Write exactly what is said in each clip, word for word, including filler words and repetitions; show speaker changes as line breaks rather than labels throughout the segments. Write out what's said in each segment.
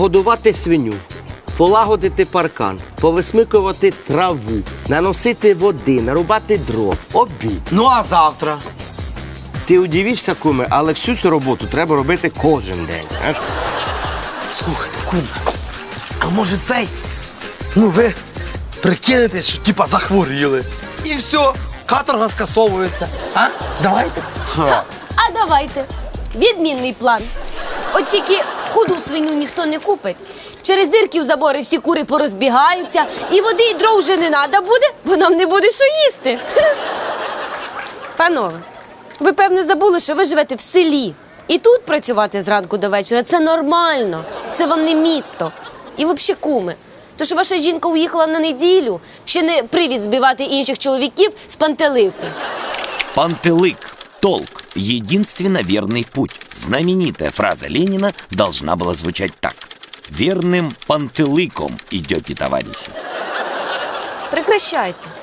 Годувати свиню, полагодити паркан, повисмикувати траву, наносити води, нарубати дров, обід.
Ну, а завтра?
Ти удивишся, куме, але всю цю роботу треба робити кожен день. Знаєш?
Слухайте, куме, а може цей? Ну, ви прикинетесь, що типа захворіли. І все, каторга скасовується. А? Давайте. Ха.
А давайте. Відмінний план. От тільки худу свиню ніхто не купить. Через дирки в забори всі кури порозбігаються, і води, і дров вже не треба буде, бо нам не буде що їсти. Панове, ви, певно, забули, що ви живете в селі. І тут працювати зранку до вечора – це нормально. Це вам не місто. І взагалі, куми, то, що ваша жінка уїхала на неділю, ще не привід збивати інших чоловіків з пантелику.
Пантелык. Толк. Единственно верный путь. Знаменитая фраза Ленина должна была звучать так. Верным пантелыком идете, товарищи.
Прекращайте.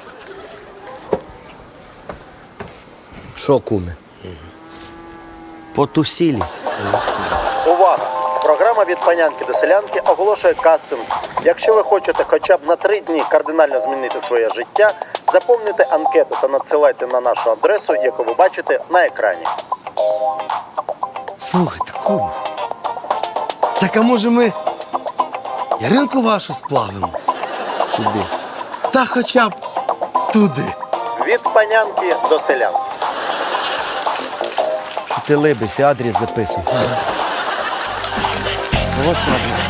Що, куме? Потусілі.
Увага! Програма «Від панянки до селянки» оголошує кастинг. Якщо ви хочете хоча б на три дні кардинально змінити своє життя, заповнюйте анкету та надсилайте на нашу адресу, яку ви бачите на екрані.
Слухайте, куме. Так а може ми Яринку вашу сплавимо?
Куди?
Та хоча б туди.
Від панянки до селянки.
Що ти либися, адрес записуй. Ось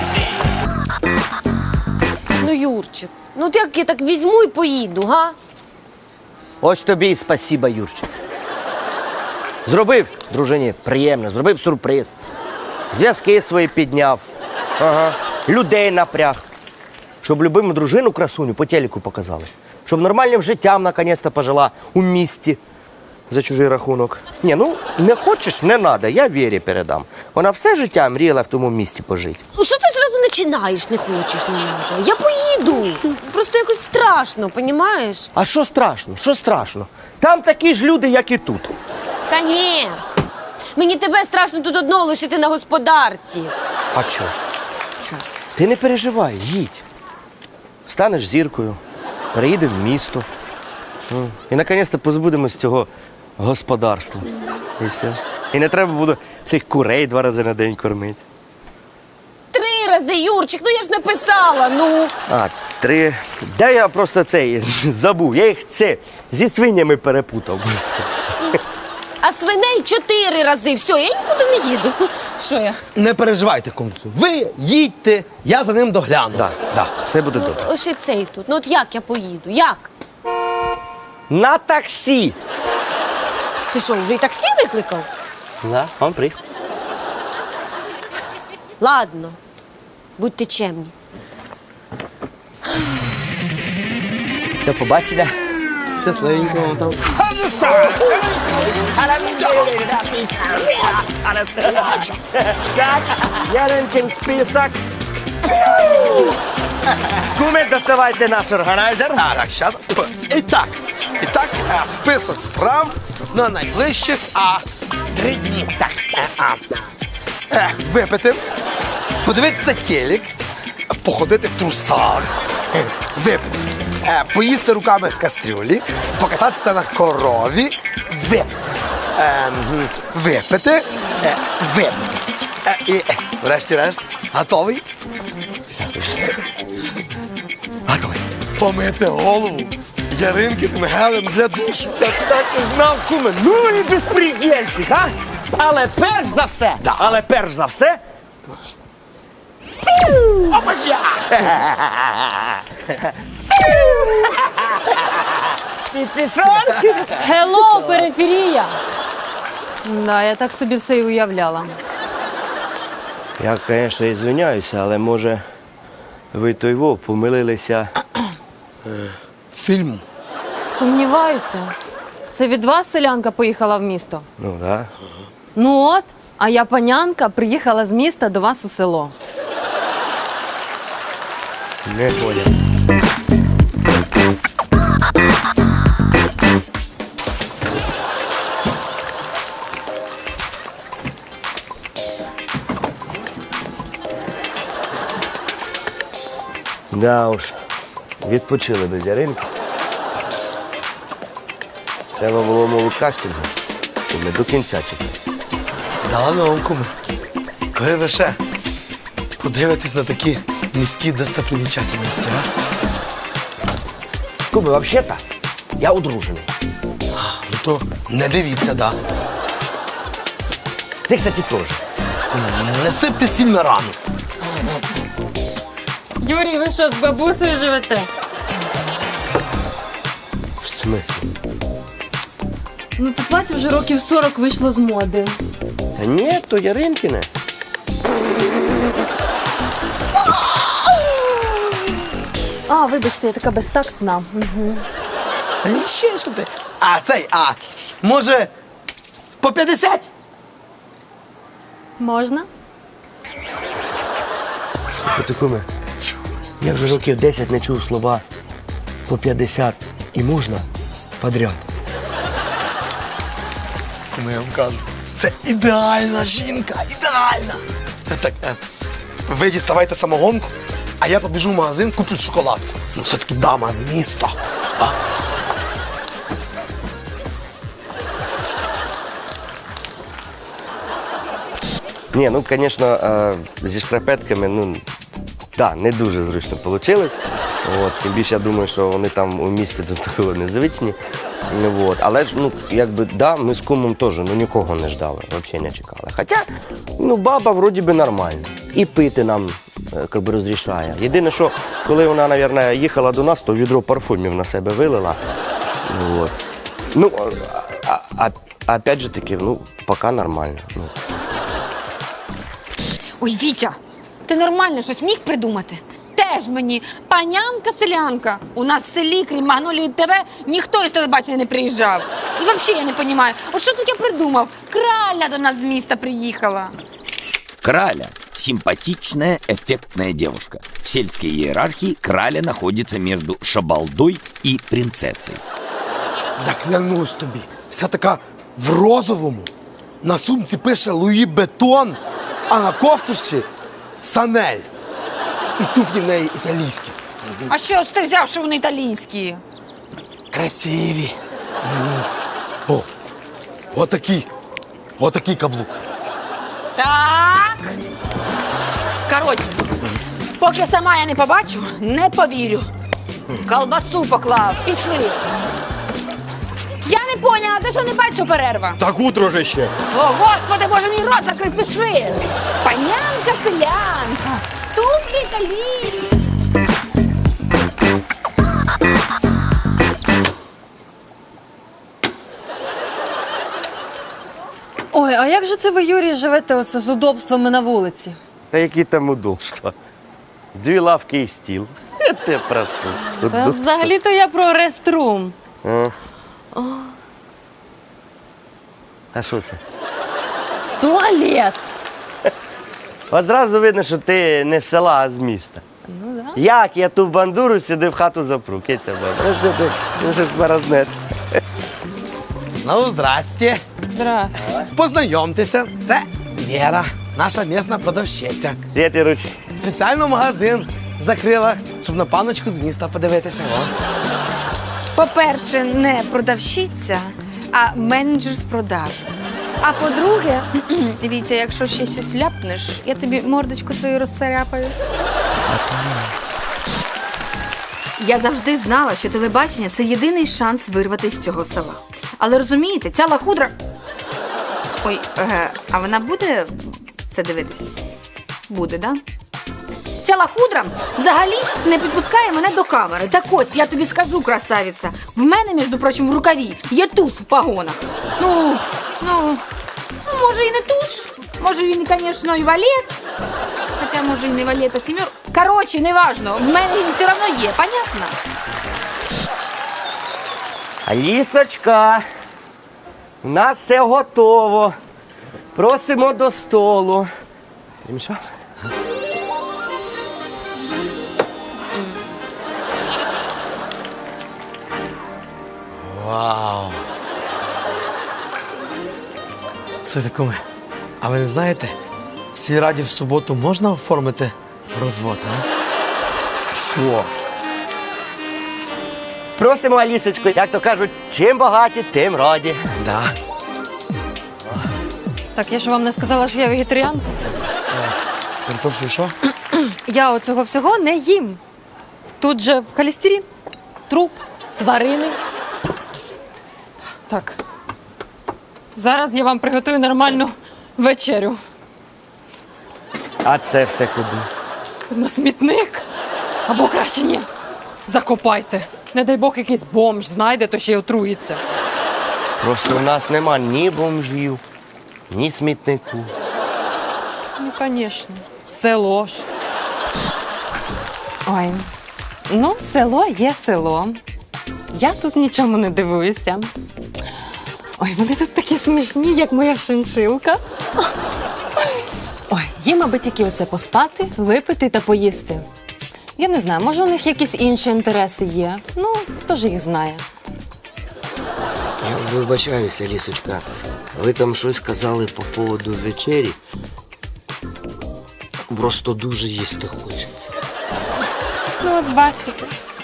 Ну, Юрчик, ну от як я так візьму і поїду, га?
Ось тобі і спасіба, Юрчик. Зробив, дружині, приємно, зробив сюрприз. Зв'язки свої підняв. Ага. Людей напряг. Щоб любиму дружину красуню по телеку показали. Щоб нормальним життям наконець-то пожила у місті за чужий рахунок. Ні, ну не хочеш, не треба, я Вірі передам. Вона все життя мріяла в тому місті пожити.
Ну, що ти зразу починаєш, не хочеш, не надо? Я поїду. Просто якось страшно, понімаєш?
А що страшно? Що страшно? Там такі ж люди, як і тут.
Та ні. Мені тебе страшно тут одного лишити на господарці.
А чо?
Чо?
Ти не переживай, їдь. Станеш зіркою, переїдемо в місто. Ну, і наконець-то позбудемось цього господарства. І все. І не треба буде цих курей два рази на день кормити.
Три рази, Юрчик, ну я ж написала, ну.
А, три. Да я просто цей забув. Я їх це зі свинями перепутав.
А свиней чотири рази. Все, я нікуди не їду. Що я?
Не переживайте, кумцю. Ви їдьте, я за ним догляну.
Так, да, все буде добре.
Ось і цей тут. Ну от як я поїду? Як?
На таксі!
Ти що, вже і таксі викликав?
Да, он приїхав.
Ладно, будьте чемні.
До побачення.
Щасливенько вам там.
Яринкин список. Куми, доставайте наш органайзер.
А, так, щас. І так, і так, е, список справ на найближчих а, три дні. Так, е, а, е, випити, подивитися телек, походити в трусах, е, випити, е, поїсти руками з кастрюлі, покататися на корові, випити, е, м, випити, е, випити. Е, і, е, врешті-решт, готовий? Готовий. Помити голову Яринкиним гелем для душу.
Я так і знав, куме. Ну і безпредельщик, а? Але перш за все,
Да.
але перш за все,
Опача!
пітішонки.
Хеллоу, периферія! Да, я так собі все і уявляла.
Я, звісно, ізвиняюся, але може ви той во помилилися.
Фільм.
Сумніваюся. Це від вас селянка поїхала в місто?
Ну, так. Да.
Ну от, а я панянка приїхала з міста до вас у село.
Не понял. Да уж, відпочили без Яринки. Треба було мову кастингу. І ми до кінця чекали.
Да ладно вам, куме. Коли ви ще подивитесь на такі низькі достопримічательності, а?
Куби, взагалі-то, я одружений.
Ну то не дивіться, да.
Ти, кстати, теж.
Куме, не сипте сіль на рану.
Юрій, ви що, з бабусею живете?
В смислі?
Ну, це плаття вже років сорок вийшло з моди.
Та ні, то Яринкине.
А, вибачте, я така безтактна.
Та ні, ще що ти? А, цей, а, може, по п'ятдесят?
Можна?
Ти, куме, я вже років десять не чув слова по п'ятдесят і можна подряд.
Куме, я вам кажу, це ідеальна жінка, ідеальна. Е, Так, е, ви діставайте самогонку, а я побіжу в магазин, куплю шоколадку. Ну, все-таки дама з міста. А?
Ні, ну, звісно, е, зі шкарпетками, ну, да, не дуже зручно вийшло. От, тим більше, я думаю, що вони там у місті до такого не звичні. Ну, от. Але ж, ну, якби, да, ми з кумом теж ну, нікого не ждали, взагалі не чекали. Хоча, ну, баба вроді би нормальна. І пити нам е, як би, розрішає. Єдине, що коли вона, мабуть, їхала до нас, то відро парфумів на себе вилила. Ну, от. Ну, а, а, а опять же таки, ну, поки нормально. Ну.
Ой, Вітя, ти нормально щось міг придумати? Теж мені панянка-селянка. У нас в селі, крім Магнолії ТВ, ніхто із телебачення не приїжджав. І взагалі я не розумію, от що тут я придумав? Краля до нас з міста приїхала.
Краля – симпатичная, эффектная девушка. В сельской иерархии Краля находится между шабалдой и принцессой.
Да клянусь тобі, вся така в розовому. На сумці пише Луї Бетон, а на кофтушці Санель. І туфлі в неї італійські.
А що ти взяв, що вони італійські?
Красиві. М. О, отакий. Отакий каблук.
Так. Коротше, поки сама я не побачу, не повірю. Колбасу поклав, пішли. Я не поняла, ти що не бачиш, що перерва?
Так утро же ще.
О, господи, боже, мій рот закрив, пішли. Панянка, селянка, туфлі італійські.
Ой, а як же це ви, Юрій, живете оце з удобствами на вулиці?
Та які там удобства? Дві лавки і стіл. Я тебе прошу.
Та
Удобства.
взагалі-то я про реструм.
А. А що це?
Туалет.
От зразу видно, що ти не з села, а з міста.
Ну да.
Як я ту бандуру сюди в хату запру? Киця баба. Ну що ти? Ну щось морознеш.
Ну, здрасте.
Здрасте.
Познайомтеся, це Вера, наша місна продавщиця.
Світ і ручки.
Спеціально магазин закрила, щоб на паночку з міста подивитися. О.
По-перше, не продавщиця, а менеджер з продажу. А по-друге, Вітя, якщо ще щось ляпнеш, я тобі мордочку твою розсаряпаю. Я завжди знала, що телебачення – це єдиний шанс вирватися з цього села. Але розумієте, ця лахудра... Ой, е, а вона буде це дивитись? Буде, да? Ця лахудра взагалі не підпускає мене до камери. Так ось, я тобі скажу, красавиця, в мене, між прочим, в рукаві є туз в погонах. Ну, ну, ну, може і не туз, може він, звісно, і валет, хоча, може, і не валет, а сімер. Коротше, неважно, в мене він все одно є, понятно?
Алісочка, у нас все готово. Просимо до столу. Що?
Вау! Слухайте, куме, а ви не знаєте, в сільраді в суботу можна оформити розвод, а? Що?
Просимо, Алісочку, як то кажуть, чим багаті, тим раді.
Да.
Так, я ж вам не сказала, що я вегетаріанка.
Перепрошую, що?
Я оцього всього не їм. Тут же в холестерин, труп, тварини. Так. Зараз я вам приготую нормальну вечерю.
А це все куди?
На смітник. Або краще ні. Закопайте. Не дай Бог, якийсь бомж знайде, то ще й отруїться.
Просто у нас нема ні бомжів, ні смітнику.
Ну, звісно. Село ж. Ой, ну, село є село. Я тут нічому не дивуюся. Ой, вони тут такі смішні, як моя шиншилка. Ой, їм аби тільки оце поспати, випити та поїсти. Я не знаю, може у них якісь інші інтереси є. Ну, хто ж їх знає.
Я вибачаюся, Лісочка. Ви там щось казали по поводу вечері. Просто дуже їсти хочеться.
Ну, от бачите.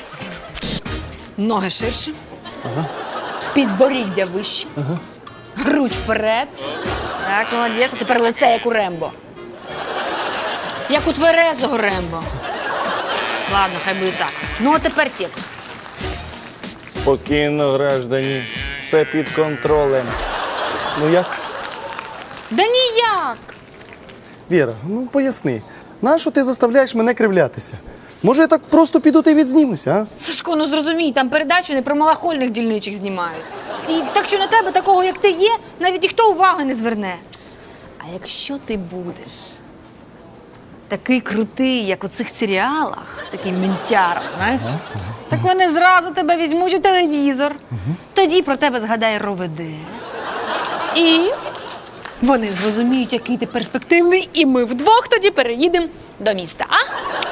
Ноги ширше. Ага. Підборіддя вище. Ага. Грудь вперед. Так, молодець, а тепер лице, як у Рембо. Як у тверезого Рембо. Ладно, хай буде так. Ну, а тепер текст.
Спокійно, граждані. Все під контролем. Ну як?
Да ніяк.
Віра, ну поясни. Нащо ти заставляєш мене кривлятися? Може, я так просто піду та й відзнімуся, а?
Сашко, ну зрозумій, там передачу не про малахольних дільничих знімають. І так що на тебе, такого, як ти є, навіть ніхто уваги не зверне. А якщо ти будеш такий крутий, як у цих серіалах, такий ментяр, знаєш, так вони зразу тебе візьмуть у телевізор. Тоді про тебе згадає РОВД. І вони зрозуміють, який ти перспективний, і ми вдвох тоді переїдемо до міста, а?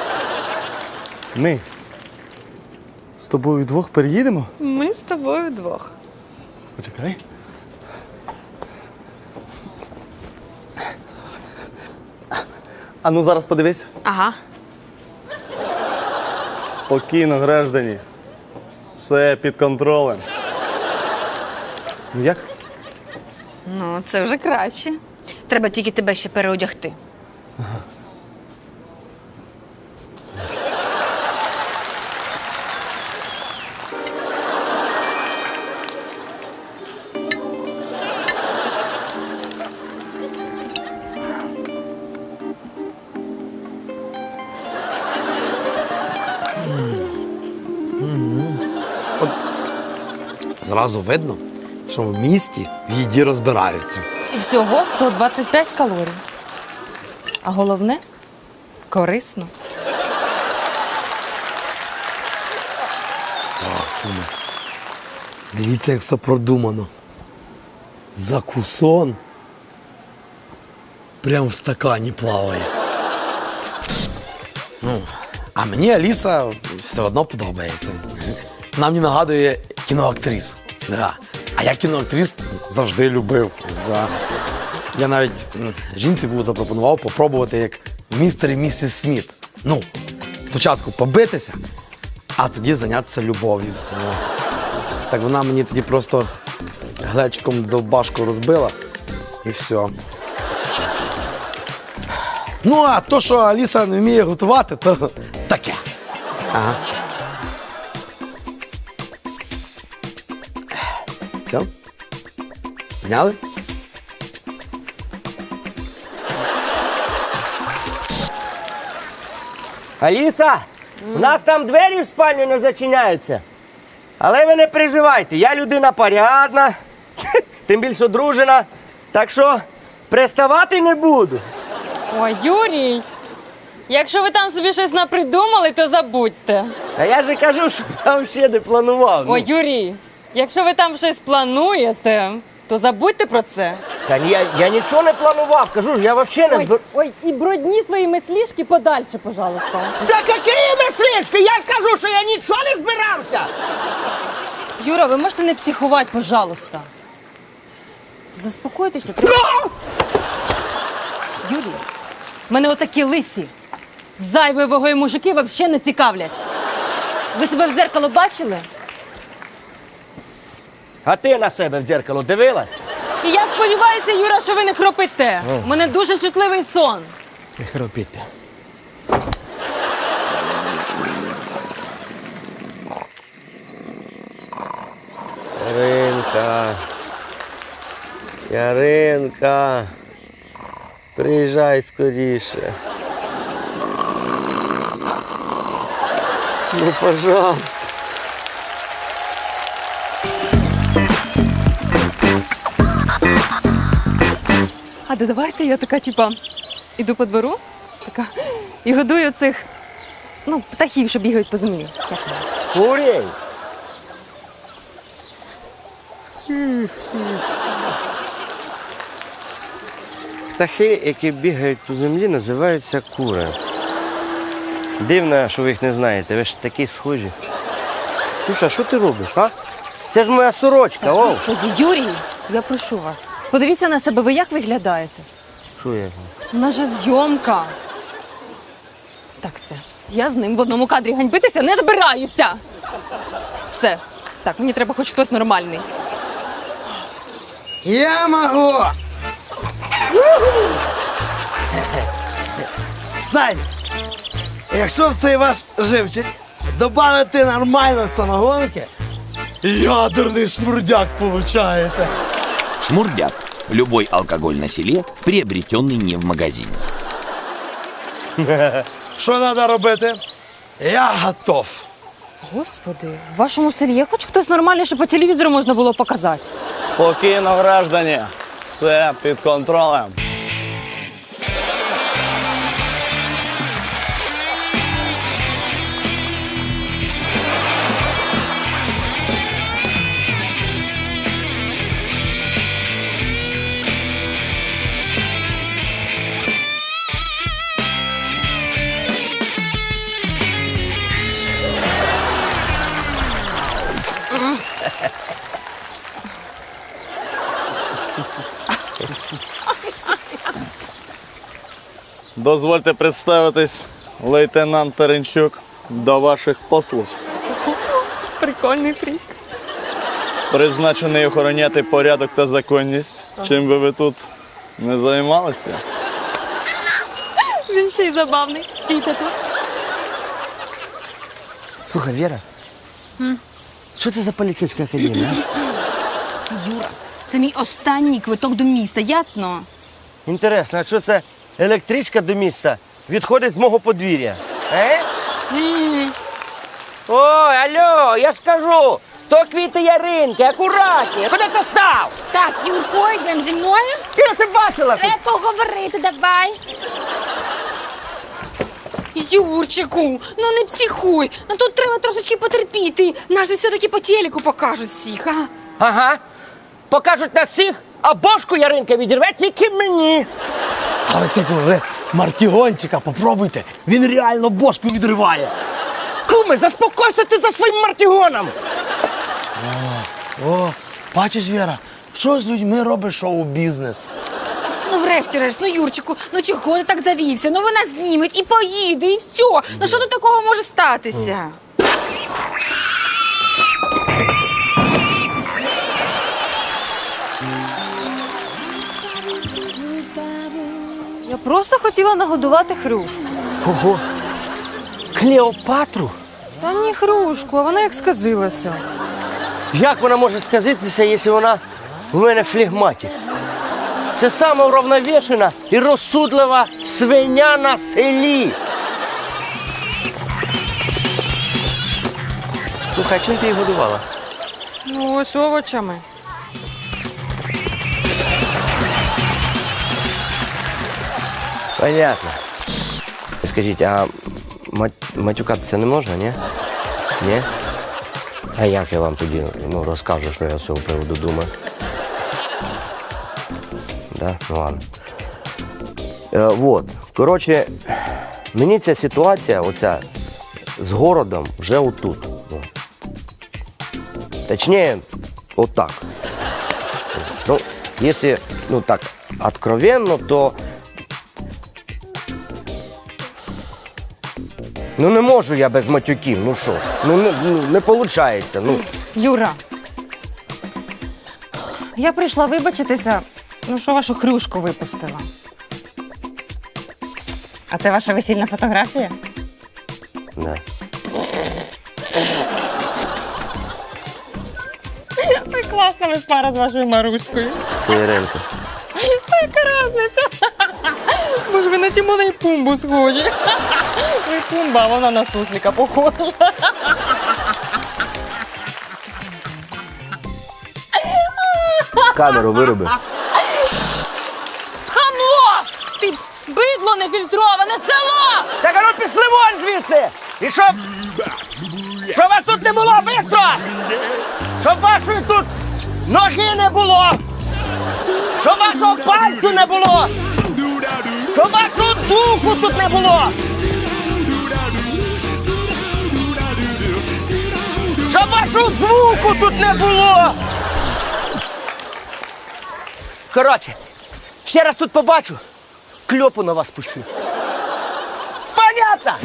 Ми з тобою вдвох переїдемо?
Ми з тобою вдвох.
Почекай. А ну зараз подивись.
Ага.
Спокійно, граждані. Все під контролем. Ну як?
Ну, це вже краще. Треба тільки тебе ще переодягти.
Зразу видно, що в місті в їді розбираються.
І всього сто двадцять п'ять калорій. А головне – корисно.
Дивіться, як все продумано. Закусон прям в стакані плаває. Ну, а мені Аліса все одно подобається. Вона мені нагадує кіноактрис. Да. А я кіноактрис завжди любив. Да. Я навіть м, жінці був запропонував попробувати як містер і місіс Сміт. Ну, спочатку побитися, а тоді зайнятися любов'ю. Ну. Так вона мені тоді просто глечиком довбашку розбила і все. Ну, а то, що Аліса не вміє готувати, то таке. Ага. Все? Зняли?
Аліса, у нас там двері в спальню не зачиняються. Але ви не переживайте, я людина порядна, тим більше одружена. Так що приставати не буду.
Ой, Юрій, якщо ви там собі щось напридумали, то забудьте.
А я же кажу, що я взагалі не планував.
Ой, Юрій, якщо ви там щось плануєте, то забудьте про це.
Та ні, я, я нічого не планував, кажу ж, я взагалі не збир...
ой, і бродні свої мислішки подальше, пожалуйста.
Да які мислишки? Я ж кажу, що я нічого не збирався.
Юра, ви можете не психувати, пожалуйста. Заспокойтеся. Треба... Юрій, в мене отакі лисі. Зайвої вагою мужики взагалі не цікавлять. Ви себе в дзеркало бачили?
А ти на себе в дзеркало дивилась?
І я сподіваюся, Юра, що ви не хропите. У мене дуже чутливий сон.
Не хропіте. Яринка. Яринка. Приїжджай скоріше. Ну, пожалуйста.
А да давайте я така, типа, іду по двору, така, і годую цих, ну, птахів, що бігають по землі. Як воно?
Курей. Птахи, які бігають по землі, називаються кури. Дивно, що ви їх не знаєте, ви ж такі схожі. Слушай, а що ти робиш, а? Це ж моя сорочка, о!
Господи, Юрій, я прошу вас, подивіться на себе, ви як виглядаєте?
Що я?
У нас же зйомка. Так, все, я з ним в одному кадрі ганьбитися не збираюся. Все, так, мені треба хоч хтось нормальний.
Я можу! Знай, якщо в цей ваш живчик додати нормально самогонки, ядерний шмурдяк получаєте.
Шмурдяк. Любой алкоголь на селе, приобретенный не в магазине.
Що треба робити? Я готов.
Господи, в вашому селі є хоч хтось нормальний, що по телевізору можна було показати?
Спокійно, граждані. Все під контролем. Дозвольте представитись, лейтенант Теренчук, до ваших послуг.
Прикольний фрік.
Призначений охороняти порядок та законність. Чим би ви тут не займалися?
Він ще й забавний. Стійте тут.
Слухай, Віра, що це за поліцейська академія? а?
Юра, це мій останній квиток до міста, ясно?
Інтересно, а що це електричка до міста відходить з мого подвір'я? Е? Ой, алло, я ж кажу, то квіти Яринки, акуратні, куди ти став?
Так, Юрко, йдемо зі мною.
Іра, ти бачила?
Треба поговорити, давай. Юрчику, ну не психуй. Ну тут треба трошечки потерпіти. Нас же все-таки по телеку покажуть всіх, а?
Ага, покажуть на всіх, а бошку Яринка відірве тільки мені.
А ви це вже мартігончика попробуйте. Він реально бошку відриває.
Куми, заспокойся ти за своїм мартігоном.
О, бачиш, Віра, що з людьми робить шоу-бізнес?
Ну врешті-решт, ну Юрчику, ну чого ти так завівся? Ну вона зніметь і поїде, і все. Ну що тут такого може статися?
Я просто хотіла нагодувати Хрюшку.
Ого, Клеопатру?
Та ні Хрюшку, а вона як сказилася.
Як вона може сказитися, якщо вона в мене флегматик? Це сама уравновешена і розсудлива свиня на селі. Слухай, чим ти її годувала?
Ну, ось овочами.
Понятно. Скажіть, а мат- матюкатися не можна, ні? Ні? А як я вам тоді ну, розкажу, що я з цього приводу думаю? Да? Ну ладно. Е, вот. Коротше, мені ця ситуація, оця з городом, вже отут. Ну. Точніше, отак. Ну, якщо, ну так, откровенно, то Ну не можу я без матюків, ну що? Ну не, ну, не виходить. Ну.
Юра. Я прийшла вибачитися, ну що вашу хрюшку випустила. А це ваша весільна фотографія?
Да.
Ой, класна ви пара з вашою Маруською.
Це Іринка.
Яка разниця? Боже, ви на Тімона і Пумбу схожі. Ви Пумба, а вона на суслика похожа.
Камеру вироби.
Хамло! Ти бидло нефільтроване, село!
Так, а ну пішли вон звідси! І щоб... Щоб вас тут не було, бистро! Щоб вашої тут ноги не було! Щоб вашого пальцю не було! Щоб вашого духу тут не було! Щоб вашого звуку тут не було! Коротше, ще раз тут побачу, кльопу на вас пущу. Понятно?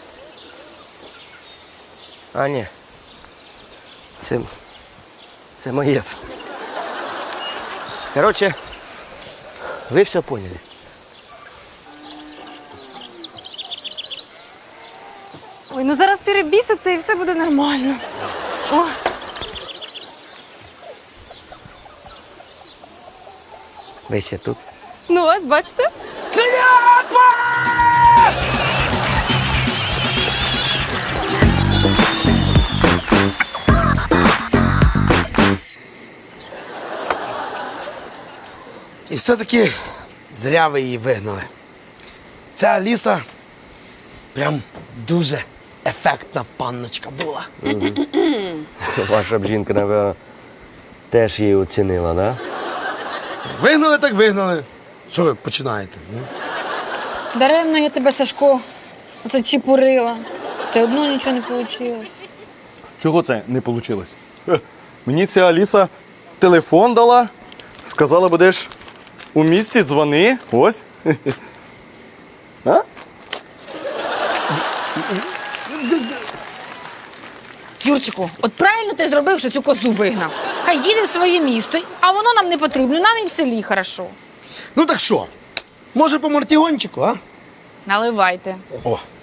А, ні. Це... Це моє. Коротше, ви все поняли.
Ой, ну зараз перебіситься і все буде нормально. О.
Ви ще тут?
Ну ось, бачите?
Кляпа!
І все-таки зря ви її вигнали. Ця Аліса прям дуже ефектна панночка була.
Ваша б жінка, напевно, теж її оцінила, да?
Вигнали так вигнали. Що ви починаєте? ну?
Даремно я тебе, Сашко, оце чепурила. Все одно нічого не вийшло.
Чого це не вийшло? Мені ця Аліса телефон дала, сказала, будеш у місті, дзвони. Ось. А?
Юрчику, от правильно ти зробив, що цю козу вигнав. Хай їде в своє місто, а воно нам не потрібно, нам і в селі хорошо.
Ну так що? Може по мартігончику, а?
Наливайте.
О,